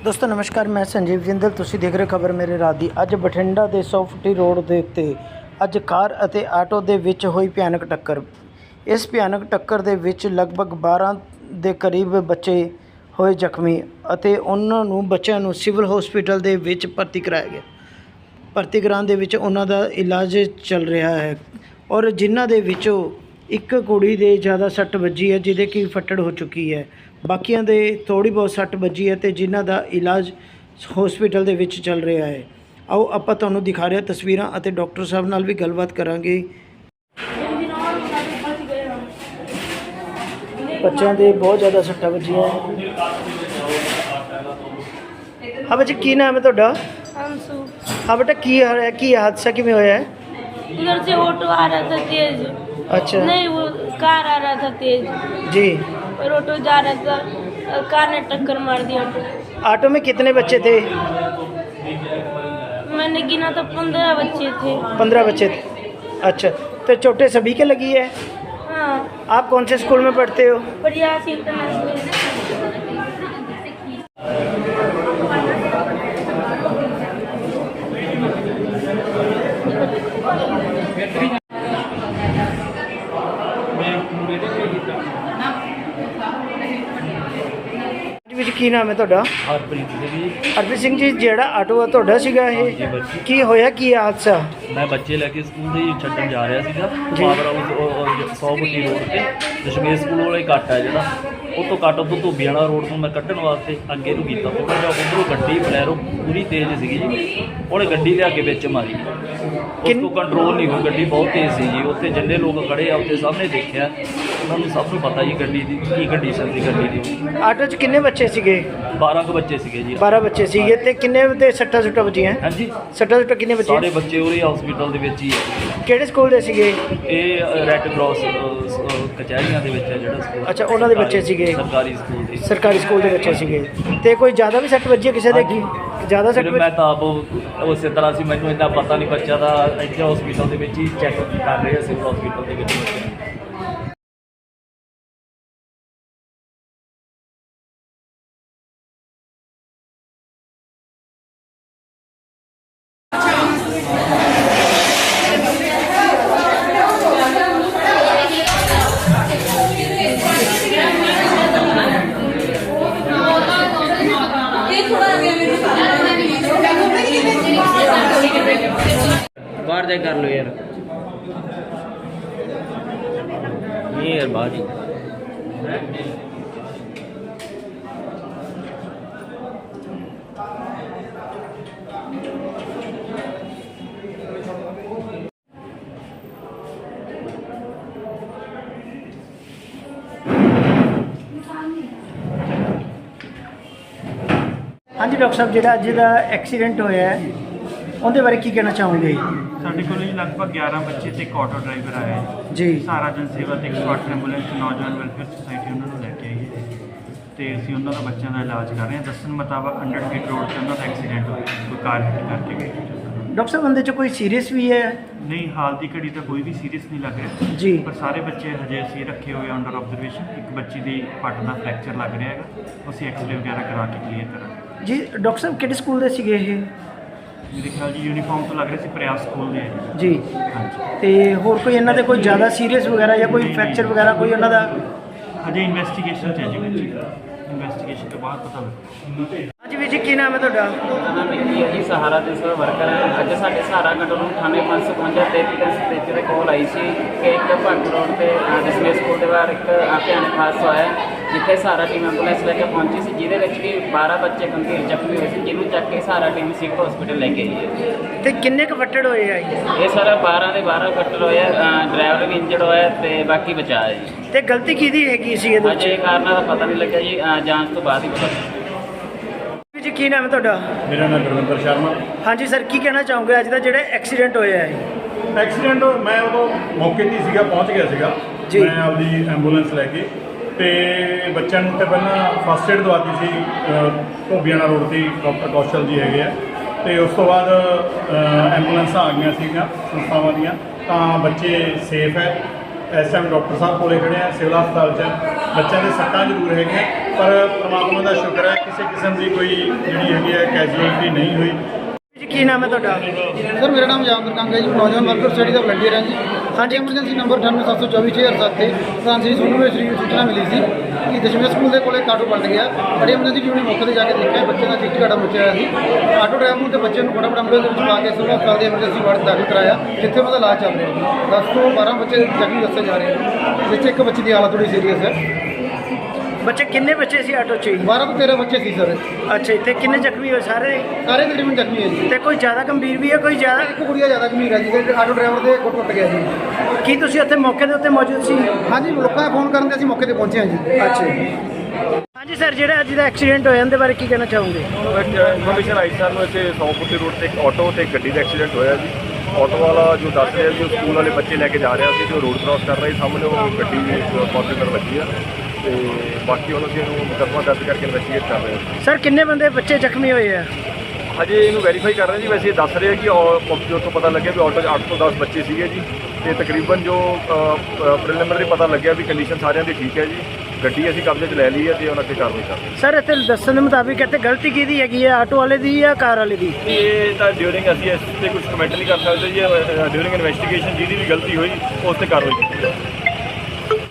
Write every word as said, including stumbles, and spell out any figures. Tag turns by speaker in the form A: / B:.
A: ਦੋਸਤੋ ਨਮਸਕਾਰ, मैं संजीव जिंदल। ਤੁਸੀਂ ਦੇਖ ਰਹੇ ਖਬਰ ਮੇਰੇ ਰਾਤ ਦੀ। ਅੱਜ ਬਠਿੰਡਾ ਦੇ ਸੌ ਫੁੱਟੀ ਰੋਡ ਦੇ ਉੱਤੇ ਅੱਜ ਕਾਰ ਅਤੇ ਆਟੋ ਦੇ ਵਿੱਚ ਹੋਈ ਭਿਆਨਕ ਟੱਕਰ। ਇਸ ਭਿਆਨਕ ਟੱਕਰ ਦੇ ਵਿੱਚ ਲਗਭਗ ਬਾਰਾਂ ਦੇ ਕਰੀਬ ਬੱਚੇ ਹੋਏ ਜ਼ਖਮੀ ਅਤੇ ਉਹਨਾਂ ਨੂੰ ਬੱਚਿਆਂ ਨੂੰ ਸਿਵਲ ਹਸਪੀਟਲ ਦੇ ਵਿੱਚ ਭਰਤੀ ਕਰਾਇਆ ਗਿਆ। ਭਰਤੀ ਕਰਾਉਣ ਦੇ ਵਿੱਚ ਉਹਨਾਂ ਦਾ ਇਲਾਜ ਚੱਲ ਰਿਹਾ ਹੈ ਔਰ ਜਿਨ੍ਹਾਂ ਦੇ ਵਿੱਚੋਂ ਇੱਕ ਕੁੜੀ ਦੇ ਜ਼ਿਆਦਾ ਸੱਟ ਵੱਜੀ ਹੈ, ਜਿਹਦੇ ਕਿ ਫੱਟੜ ਹੋ ਚੁੱਕੀ ਹੈ। ਬਾਕੀਆਂ ਦੇ ਥੋੜ੍ਹੀ ਬਹੁਤ ਸੱਟ ਵੱਜੀ ਹੈ ਅਤੇ ਜਿਨ੍ਹਾਂ ਦਾ ਇਲਾਜ ਹਸਪੀਟਲ ਦੇ ਵਿੱਚ ਚੱਲ ਰਿਹਾ ਹੈ। ਆਓ ਆਪਾਂ ਤੁਹਾਨੂੰ ਦਿਖਾ ਰਹੇ ਤਸਵੀਰਾਂ ਅਤੇ ਡਾਕਟਰ ਸਾਹਿਬ ਨਾਲ ਵੀ ਗੱਲਬਾਤ ਕਰਾਂਗੇ। ਬੱਚਿਆਂ ਦੇ ਬਹੁਤ ਜ਼ਿਆਦਾ ਸੱਟਾਂ ਵੱਜੀਆਂ। ਹਾਂ ਬੱਚੇ, ਕੀ ਨਾਮ ਹੈ ਤੁਹਾਡਾ?
B: अंशु।
A: ਹਾਂ ਬੇਟਾ, ਕੀ ਹੋਇਆ, ਕੀ ਹਾਦਸਾ किमें होया है?
B: उधर से ऑटो आ रहा था तेज।
A: अच्छा।
B: नहीं, वो कार आ रहा था तेज
A: जी।
B: और ऑटो जा रहा था, कार ने टक्कर मार दी ऑटो।
A: ऑटो में कितने बच्चे थे?
B: मैंने गिना तो पंद्रह बच्चे थे।
A: पंद्रह बच्चे थे। अच्छा, तो चोटें सभी के लगी है?
B: हाँ।
A: आप कौन से स्कूल में पढ़ते हो?
B: प्रयास इंटरनेशनल।
A: ਵਿੱਚ ਕੀ ਨਾਮ ਹੈ ਤੁਹਾਡਾ?
C: ਹਰਪ੍ਰੀਤ ਸਿੰਘ ਜੀ।
A: ਹਰਪ੍ਰੀਤ ਸਿੰਘ ਜੀ, ਜਿਹੜਾ ਆਟੋ ਆ ਤੁਹਾਡਾ ਸੀਗਾ ਇਹ, ਕੀ ਹੋਇਆ, ਕੀ ਹਾਦਸਾ?
C: ਮੈਂ ਬੱਚੇ ਲੈ ਕੇ ਸਕੂਲ ਦੇ ਛੱਡਣ ਜਾ ਰਿਹਾ ਸੀਗਾ
A: ਜੀ।
C: ਪਾਵਰ ਹਾਊਸ ਸੌ ਫੁੱਟੀ ਰੋਡ ਤੇ ਦਸ਼ਮੇਸ਼ ਸਕੂਲ ਵਾਲਾ ਹੀ ਕੱਟ ਹੈ ਜਿਹੜਾ, ਉਹ ਤੋਂ ਕੱਟ ਤੋਂ ਧੋਬੀ ਵਾਲਾ ਰੋਡ ਤੋਂ ਮੈਂ ਕੱਢਣ ਵਾਸਤੇ ਅੱਗੇ ਨੂੰ ਕੀਤਾ। ਥੋੜ੍ਹਾ ਜਿਹਾ ਉੱਧਰੋਂ ਗੱਡੀ ਬਲੈਰੋ ਪੂਰੀ ਤੇਜ਼ ਸੀਗੀ ਜੀ, ਉਹਨੇ ਗੱਡੀ ਲਿਆ ਕੇ ਵਿੱਚ ਮਾਰੀ। ਉਸ ਤੋਂ ਕੰਟਰੋਲ ਨਹੀਂ ਹੋਈ, ਗੱਡੀ ਬਹੁਤ ਤੇਜ਼ ਸੀ ਜੀ। ਉੱਥੇ ਜਿੰਨੇ ਲੋਕ ਖੜੇ ਆ ਉੱਥੇ ਸਭ ਨੇ ਦੇਖਿਆ, ਉਹਨਾਂ ਨੂੰ ਸਭ ਨੂੰ ਪਤਾ ਜੀ ਗੱਡੀ ਦੀ ਕੀ ਕੰਡੀਸ਼ਨ ਸੀ ਗੱਡੀ ਦੀ।
A: ਆਟੋ 'ਚ ਕਿੰਨੇ ਬੱਚੇ ਸੀਗੇ?
C: ਬਾਰਾਂ ਕੁ ਬੱਚੇ ਸੀਗੇ ਜੀ।
A: ਬਾਰਾਂ ਬੱਚੇ ਸੀਗੇ ਤੇ ਕਿੰਨੇ ਦੇ ਸੱਟਾਂ ਸੁੱਟਾਂ ਵੱਜੀਆਂ?
C: ਹਾਂਜੀ,
A: ਸੱਟਾਂ ਸੁੱਟਾਂ ਕਿੰਨੇ
C: ਸਾਰੇ
A: ਵੱਜੀਆਂ?
C: ਬੱਚੇ ਉਹਦੇ ਹਸਪੀਟਲ ਦੇ ਵਿੱਚ ਹੀ ਹੈ।
A: ਕਿਹੜੇ ਸਕੂਲ ਦੇ ਸੀਗੇ?
C: ਇਹ ਰੈੱਡ ਕਰਾਸ ਕਚਹਿਰੀਆਂ ਦੇ ਵਿੱਚ ਹੈ ਜਿਹੜਾ ਸਕੂਲ।
A: ਅੱਛਾ, ਉਹਨਾਂ ਦੇ ਬੱਚੇ ਸੀਗੇ।
C: ਸਰਕਾਰੀ ਸਕੂਲ ਦੇ
A: ਸਰਕਾਰੀ ਸਕੂਲ ਦੇ ਬੱਚੇ ਸੀਗੇ। ਤੇ ਕੋਈ ਜ਼ਿਆਦਾ ਵੀ ਸੱਟ ਵੱਜੀ ਹੈ ਕਿਸੇ ਦੇ? ਕੀ ਜ਼ਿਆਦਾ ਸੱਟ?
C: ਫਿਰ ਮੈਂ ਤਾਂ ਆਪ ਉਸੇ ਤਰ੍ਹਾਂ ਸੀ, ਮੈਨੂੰ ਇੰਨਾ ਪਤਾ ਨਹੀਂ। ਬੱਚਾ ਦਾ ਇੱਥੇ ਹਸਪੀਟਲ ਦੇ ਵਿੱਚ ਹੀ ਚੈੱਕ ਕਰ ਰਹੇ ਸੀ, ਹਸਪੀਟਲ ਦੇ ਵਿੱਚ ਬੱਚੇ ਨੂੰ।
D: बाहर जाके कर लो यार, ये यार बाहर ही।
A: हाँ जी डॉक्टर साहब, ਜਿਹੜਾ ਅੱਜ ਦਾ ਐਕਸੀਡੈਂਟ ਹੋਇਆ ਹੈ ਉਹਦੇ ਬਾਰੇ ਕੀ ਕਹਿਣਾ ਚਾਹੋਗੇ?
E: ਸਾਡੇ ਕੋਲ ਜੀ ਲਗਭਗ ਗਿਆਰਾਂ ਬੱਚੇ ਤੇ ਇੱਕ ਆਟੋ ਡਰਾਈਵਰ ਆਇਆ ਹੈ
A: ਜੀ।
E: ਸਾਰਾ ਜਨ ਸੇਵਾ ਤੇ ਇੱਕ ਸਕਾਟ ਐਂਬੂਲੈਂਸ ਨੌਜਵਾਨ ਵੈਲਫੇਅਰ ਸੁਸਾਇਟੀ ਉਹਨਾਂ ਨੂੰ ਲੈ ਕੇ ਆਈ ਹੈ ਤੇ ਅਸੀਂ ਉਹਨਾਂ ਦਾ ਬੱਚਿਆਂ ਦਾ ਇਲਾਜ ਕਰ ਰਹੇ ਹਾਂ। ਦੱਸਣ ਮੁਤਾਬਕ ਹੰਡਰਡ ਫੀਟ ਰੋਡ ਤੇ ਉਹਨਾਂ ਦਾ ਐਕਸੀਡੈਂਟ ਹੋਇਆ, ਕੋਈ ਕਾਰ ਹਿੱਟ ਕਰਕੇ ਗਈ।
A: ਡਾਕਟਰ ਸਾਹਿਬ, ਬੰਦੇ 'ਚ ਕੋਈ ਸੀਰੀਅਸ ਵੀ ਹੈ?
E: ਨਹੀਂ, ਹਾਲ ਦੀ ਘੜੀ ਤਾਂ ਕੋਈ ਵੀ ਸੀਰੀਅਸ ਨਹੀਂ ਲੱਗ ਰਿਹਾ
A: ਜੀ।
E: ਪਰ ਸਾਰੇ ਬੱਚੇ ਹਜੇ ਅਸੀਂ ਰੱਖੇ ਹੋਏ ਅੰਡਰ ਆਬਜ਼ਰਵੇਸ਼ਨ। ਇੱਕ ਬੱਚੀ ਦੀ ਪੱਟ ਦਾ ਫ੍ਰੈਕਚਰ ਲੱਗ ਰਿਹਾ ਹੈਗਾ, ਅਸੀਂ ਐਕਸਰੇ ਵਗੈਰਾ ਕਰਾ ਕੇ ਕਲੀਅਰ ਕਰਾਂਗੇ
A: ਜੀ। ਡਾਕਟਰ ਸਾਹਿਬ, ਕਿਹੜੇ ਸਕੂਲ ਦੇ ਸੀਗੇ ਇਹ?
E: ਮੇਰੇ ਖਿਆਲ ਜੀ ਯੂਨੀਫਾਰਮ ਤੋਂ ਲੱਗ ਰਿਹਾ ਸੀ, ਪ੍ਰਯਾਸ ਸਕੂਲ ਦੇ ਹੈ
A: ਜੀ।
E: ਹਾਂਜੀ।
A: ਤੇ ਹੋਰ ਕੋਈ ਇਹਨਾਂ ਦੇ ਕੋਈ ਜ਼ਿਆਦਾ ਸੀਰੀਅਸ ਵਗੈਰਾ ਜਾਂ ਕੋਈ ਫ੍ਰੈਕਚਰ ਵਗੈਰਾ ਕੋਈ ਉਹਨਾਂ ਦਾ?
E: ਹਜੇ ਇਨਵੈਸਟੀਗੇਸ਼ਨ 'ਚ ਹੈ ਜੀ ਬੱਚੀ, ਇਨਵੈਸਟੀਗੇਸ਼ਨ ਤੋਂ ਬਾਅਦ ਪਤਾ ਲੱਗੇਗਾ।
A: ਹਾਂਜੀ ਵੀਰ ਜੀ, ਕੀ ਨਾਮ ਹੈ ਤੁਹਾਡਾ?
D: ਮੇਰਾ ਨਾਮ ਵਿੱਕੀ ਹੈ ਜੀ, ਸਹਾਰਾ ਦੇ ਸਰ ਵਰਕਰ ਹੈ। ਅੱਜ ਸਾਡੇ ਸਹਾਰਾ ਗੰਡੋ ਨੂੰ ਥਾਣੇ ਪੰਜ ਸੌ ਪਚਵੰਜਾ ਤੇਤੀ ਤਿੰਨ ਸੌ ਤੇਤੀ ਦੇ ਕੋਲ ਆਈ ਸੀ ਕਿ ਇੱਕ ਭਗਤ ਰੋਡ ਤੇ ਦਸ਼ਮੇਸ਼ ਸਕੂਲ ਦੇ ਬਾਹਰ ਇੱਕ ਭਿਆਨਕ ਹਾਦਸਾ ਹੋਇਆ, ਜਿੱਥੇ ਸਹਾਰਾ ਟੀਮ ਐਂਬੂਲੈਂਸ ਲੈ ਕੇ ਪਹੁੰਚੀ ਸੀ, ਜਿਹਦੇ ਵਿੱਚ ਵੀ ਬਾਰਾਂ ਬੱਚੇ ਗੰਭੀਰ ਜ਼ਖਮੀ ਹੋਏ ਸੀ, ਜਿਹਨੂੰ ਚੱਕ ਕੇ ਸਹਾਰਾ ਟੀਮ ਸਿਵਲ ਹਸਪੀਟਲ ਲੈ ਕੇ ਆਈ ਹੈ।
A: ਤੇ ਕਿੰਨੇ ਕੁ ਫੱਟੜ ਹੋਏ ਆ ਜੀ?
D: ਇਹ ਸਾਰਾ ਬਾਰਾਂ ਦੇ ਬਾਰਾਂ ਫੱਟੜ ਹੋਏ ਆ, ਡਰਾਈਵਰ ਵੀ ਇੰਜਰਡ ਹੋਇਆ ਤੇ ਬਾਕੀ ਬਚਾ ਹੈ ਜੀ।
A: ਤੇ ਗਲਤੀ ਕਿਹਦੀ ਹੈਗੀ ਸੀ ਇਹਦੇ
D: ਅਜੇ
A: ਵਿੱਚ?
D: ਕਾਰਨਾਂ ਦਾ ਪਤਾ ਨਹੀਂ ਲੱਗਿਆ ਜੀ, ਜਾਂਚ ਤੋਂ ਬਾਅਦ ਹੀ ਪਤਾ ਲੱਗੇਗਾ।
A: ਵੀਰ ਜੀ, ਕੀ ਨਾਮ ਹੈ ਤੁਹਾਡਾ?
F: ਮੇਰਾ ਨਾਮ ਗੁਰਵਿੰਦਰ ਸ਼ਰਮਾ।
A: ਹਾਂਜੀ ਸਰ, ਕੀ ਕਹਿਣਾ ਚਾਹੋਗੇ ਅੱਜ ਦਾ ਜਿਹੜਾ ਐਕਸੀਡੈਂਟ ਹੋਇਆ ਹੈ?
F: ਐਕਸੀਡੈਂਟ ਮੈਂ ਉਦੋਂ ਮੌਕੇ 'ਤੇ ਹੀ ਸੀਗਾ, ਪਹੁੰਚ ਗਿਆ ਸੀਗਾ
A: ਜੀ।
F: ਮੈਂ ਆਪਦੀ ਐਂਬੂਲੈਂਸ ਲੈ ਕੇ ਤੇ ਬੱਚਿਆਂ ਨੂੰ ਤੇ ਪਹਿਲਾਂ ਫਸਟ ਏਡ ਦਵਾਤੀ ਸੀ ਧੋਬੀਆਣਾ ਰੋਡ 'ਤੇ ਡਾਕਟਰ ਕੌਸ਼ਲ ਜੀ ਹੈਗੇ ਆ। ਤੇ ਉਸ ਤੋਂ ਬਾਅਦ ਐਂਬੂਲੈਂਸਾਂ ਆ ਗਈਆਂ ਸੀਗੀਆਂ ਸੰਸਥਾਵਾਂ ਦੀਆਂ, ਤਾਂ ਬੱਚੇ ਸੇਫ ਹੈ। ਇਸ ਟਾਈਮ ਡਾਕਟਰ ਸਾਹਿਬ ਕੋਲੇ ਖੜੇ ਆ ਸਿਵਲ ਹਸਪਤਾਲ 'ਚ। ਬੱਚਿਆਂ ਦੇ ਸੱਟਾਂ ਜ਼ਰੂਰ ਹੈਗੀਆਂ ਪਰ ਪ੍ਰਮਾਤਮਾ ਦਾ ਸ਼ੁਕਰ ਹੈ ਕਿਸੇ ਕਿਸਮ ਦੀ ਕੋਈ ਜਿਹੜੀ ਹੈਗੀ ਹੈ ਕੈਜੂਅਲਟੀ ਨਹੀਂ ਹੋਈ।
A: ਜੀ ਕੀ ਨਾਮ ਹੈ ਤੁਹਾਡਾ?
G: ਸਰ ਮੇਰਾ ਨਾਮ ਜਾਮਦਰ ਕੰਗ ਹੈ ਜੀ, ਨੌਜਵਾਨ ਵਰਕਰ ਸਟੱਡੀ ਦਾ ਵਲੰਟੀਅਰ ਹਾਂ ਜੀ। ਹਾਂਜੀ, ਐਮਰਜੈਂਸੀ ਨੰਬਰ ਅਠਾਨਵੇਂ ਸੱਤ ਸੌ ਚੌਵੀ ਛੇ ਹਜ਼ਾਰ ਸੱਤ ਤੇ ਪ੍ਰਧਾਨ ਸ੍ਰੀ ਸੋਨੂੰ ਵਿੱਚ ਸੂਚਨਾ ਮਿਲੀ ਸੀ ਕਿ ਦਸ਼ਮੇਸ਼ ਸਕੂਲ ਦੇ ਕੋਲੇ ਇੱਕ ਆਟੋ ਪਲਟ ਗਿਆ। ਬੜੀ ਐਮਰਜੈਂਸੀ ਟੀਮ ਨੇ ਮੌਕੇ ਤੇ ਜਾ ਕੇ ਦੇਖਿਆ, ਬੱਚੇ ਦਾ ਚਿੱਟੀ ਘਾਟਾ ਮੁੱਚਿਆ ਹੋਇਆ ਸੀ। ਆਟੋ ਡਰਾਈਵਰ ਨੂੰ ਤੇ ਬੱਚੇ ਨੂੰ ਫਟਾਫਟ ਐਂਬੂਲੈਂਸ ਵਿੱਚ ਪਾ ਕੇ ਸਿਵਲ ਹਸਪਤਾਲ ਦੇ ਐਮਰਜੈਂਸੀ ਵਾਰਡ 'ਚ ਦਾਖਲ ਕਰਾਇਆ, ਜਿੱਥੇ ਉਹਨਾਂ ਦਾ ਇਲਾਜ ਚੱਲ ਰਿਹਾ ਹੈ। ਦਸ ਤੋਂ ਬਾਰਾਂ ਬੱਚੇ ਜ਼ਖਮੀ ਦੱਸੇ ਜਾ ਰਹੇ ਨੇ, ਜਿਸ 'ਚ ਇੱਕ ਬੱਚੇ ਦੀ ਹਾਲਤ ਥੋੜੀ ਸੀਰੀਅਸ ਹੈ।
A: ਬੱਚੇ ਕਿੰਨੇ ਬੱਚੇ ਸੀ ਆਟੋ 'ਚ ਜੀ?
G: ਬਾਰਾਂ ਤੋਂ ਤੇਰਾਂ ਬੱਚੇ ਸੀ ਸਰ,
A: ਅੱਛਾ, ਇੱਥੇ ਕਿੰਨੇ ਜ਼ਖਮੀ ਹੋਏ? ਸਾਰੇ
G: ਸਾਰੇ ਤਕਰੀਬਨ ਜ਼ਖਮੀ ਹੈ ਜੀ।
A: ਤੇ ਕੋਈ ਜ਼ਿਆਦਾ ਗੰਭੀਰ ਵੀ ਹੈ, ਕੋਈ ਜ਼ਿਆਦਾ?
G: ਇੱਕ ਕੁੜੀਆ ਜ਼ਿਆਦਾ ਗੰਭੀਰ ਹੈ ਜੀ, ਤੇ ਆਟੋ ਡਰਾਈਵਰ ਦੇ ਗੁੱਟ ਟੁੱਟ ਗਿਆ ਜੀ।
A: ਕੀ ਤੁਸੀਂ ਉੱਥੇ ਮੌਕੇ ਦੇ ਉੱਤੇ ਮੌਜੂਦ ਸੀ?
G: ਹਾਂਜੀ, ਲੋਕਾਂ ਦੇ ਫੋਨ ਕਰਨ ਤੇ ਅਸੀਂ ਮੌਕੇ ਤੇ ਪਹੁੰਚੇ ਹਾਂ ਜੀ।
A: ਅੱਛਾ ਜੀ। ਹਾਂਜੀ ਸਰ, ਜਿਹੜਾ ਅੱਜ ਦਾ ਐਕਸੀਡੈਂਟ ਹੋਇਆ ਉਹਦੇ ਬਾਰੇ ਕੀ ਕਹਿਣਾ ਚਾਹੋਗੇ?
H: ਇਨਫੋਰਮੇਸ਼ਨ ਆਈ ਸਾਨੂੰ ਇੱਥੇ ਸੌ ਫੁੱਟੀ ਰੋਡ ਤੇ ਇੱਕ ਆਟੋ ਤੇ ਇੱਕ ਗੱਡੀ ਦਾ ਐਕਸੀਡੈਂਟ ਹੋਇਆ ਜੀ। ਆਟੋ ਵਾਲਾ ਜੋ ਦੱਸ ਰਿਹਾ ਸੀ ਉਹ ਸਕੂਲ ਵਾਲੇ ਬੱਚੇ ਲੈ ਕੇ ਜਾ ਰਿਹਾ ਸੀ ਤੇ ਉਹ ਰੋਡ ਕ੍ਰਾਸ ਕਰ ਰਿਹਾ ਸੀ, ਸਾਹਮਣੇ ਉਹ ਗੱਡੀ ਫੋਰਚੂਨਰ ਲੱਗੀ ਆ ਤੇ ਬਾਕੀ ਉਹਨਾਂ ਦੀ ਇਹਨੂੰ ਮੁਕੱਦਮਾ ਦਰਜ ਕਰਕੇ ਇਨਵੈਸਟੀਗੇਟ ਕਰ ਰਹੇ ਹਾਂ।
A: ਸਰ ਕਿੰਨੇ ਬੰਦੇ ਬੱਚੇ ਜ਼ਖਮੀ ਹੋਏ ਆ?
H: ਹਜੇ ਇਹਨੂੰ ਵੈਰੀਫਾਈ ਕਰ ਰਹੇ ਜੀ। ਵੈਸੇ ਇਹ ਦੱਸ ਰਹੇ ਕਿ ਜੋ ਤੋਂ ਪਤਾ ਲੱਗਿਆ ਵੀ ਆਟੋ 'ਚ ਅੱਠ ਤੋਂ ਦਸ ਬੱਚੇ ਸੀਗੇ ਜੀ, ਤੇ ਤਕਰੀਬਨ ਜੋ ਪ੍ਰੀਲਿਮਿਨਰੀ ਪਤਾ ਲੱਗਿਆ ਵੀ ਕੰਡੀਸ਼ਨ ਸਾਰਿਆਂ ਦੀ ਠੀਕ ਹੈ ਜੀ। ਗੱਡੀ ਅਸੀਂ ਕਬਜ਼ੇ 'ਚ ਲੈ ਲਈ ਹੈ ਤੇ ਉਹਨਾਂ ਤੇ ਕਾਰਵਾਈ ਕਰ ਰਹੇ ਹਾਂ।
A: ਸਰ ਇੱਥੇ ਦੱਸਣ ਦੇ ਮੁਤਾਬਿਕ ਇੱਥੇ ਗਲਤੀ ਕਿਹਦੀ ਹੈਗੀ ਹੈ, ਆਟੋ ਵਾਲੇ ਦੀ ਜਾਂ ਕਾਰ ਵਾਲੇ ਦੀ?
H: ਇਹ ਤਾਂ ਡਿਊਰਿੰਗ ਅਸੀਂ ਇਸ 'ਤੇ ਕੁਝ ਕਮੈਂਟ ਨਹੀਂ ਕਰ ਸਕਦੇ ਜੀ। ਡਿਊਰਿੰਗ ਇਨਵੈਸਟੀਗੇਸ਼ਨ ਜਿਹਦੀ ਵੀ ਗਲਤੀ ਹੋਈ ਉਸ 'ਤੇ ਕਾਰਵਾਈ ਕੀਤੀ ਜਾਵੇ।